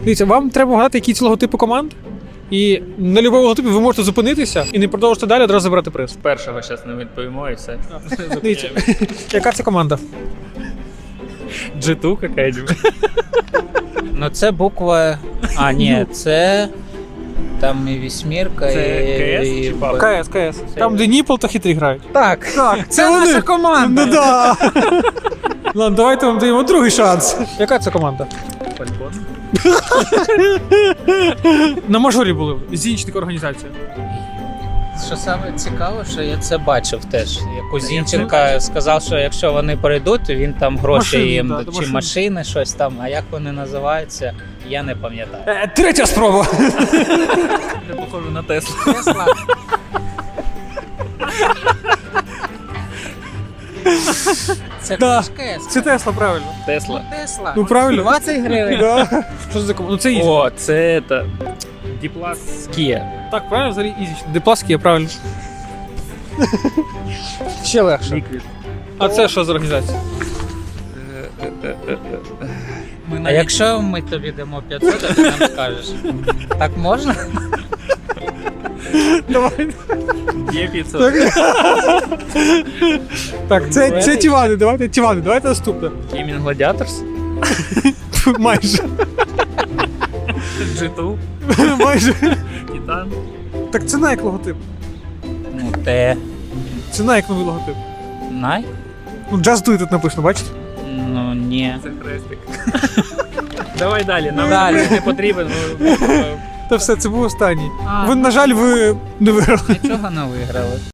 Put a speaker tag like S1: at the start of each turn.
S1: Дивіться, вам треба вгадати якісь логотипи команд. І на будь-якому логотипі ви можете зупинитися і не продовжити далі, одразу забрати приз.
S2: Першого зараз не відповімо і все.
S1: Дивіться, яка це команда?
S2: G2 какая-нибудь.
S3: Ну це буква. А, ні, це. Там і вісьмірка,
S2: Це КС
S3: і.
S2: чи PUBG?
S1: КС. Там, де Ніпл та хитрі грають.
S3: Так,
S1: Так,
S3: це наша команда.
S1: Ну да. Ладно, давайте вам даємо другий шанс. Яка це команда?
S2: Фалькон.
S1: На мажорі були Зінченко організація.
S3: Що саме цікаво, що я це бачив теж. Як у Зінченка сказав, що якщо вони перейдуть, то він там гроші
S1: Машини,
S3: їм
S1: да,
S3: чи
S1: машини.
S3: машини, щось там. А як вони називаються, я не пам'ятаю.
S1: Третя спроба.
S2: Не похоже на Теслу.
S3: Тесла. Це
S1: Да.
S3: КС.
S1: Це Тесла, правильно.
S2: Тесла.
S3: Тесла.
S1: Ну правильно.
S3: 20 гривень.
S1: Да. Що це за команда? Ну це Ізі.
S2: О, це это. Діплас Kia.
S1: Так, правильно, взагалі Ізі. Депласки, правильно. Ще легше.
S2: Liquid.
S1: А це що за організація?
S3: А якщо ми тобі дамо 500, а ти нам скажеш. Так можна?
S1: Давай.
S2: Є 500.
S1: Так, це Тівани, давайте наступне.
S2: Gaming Gladiators.
S1: Майже.
S2: G2.
S1: Майже.
S2: Titan.
S1: Так це Nike логотип.
S3: Ну, те.
S1: Це Nike новий логотип.
S3: Най?
S1: Ну, Just Do It тут написано, бачите?
S3: Ну, ні.
S2: Це хрестик. Давай далі. Нам
S3: Далі.
S2: не потрібен.
S1: Та все, це був останній.
S3: А.
S1: Ви, на жаль, ви не виграли.
S3: Нічого не виграли.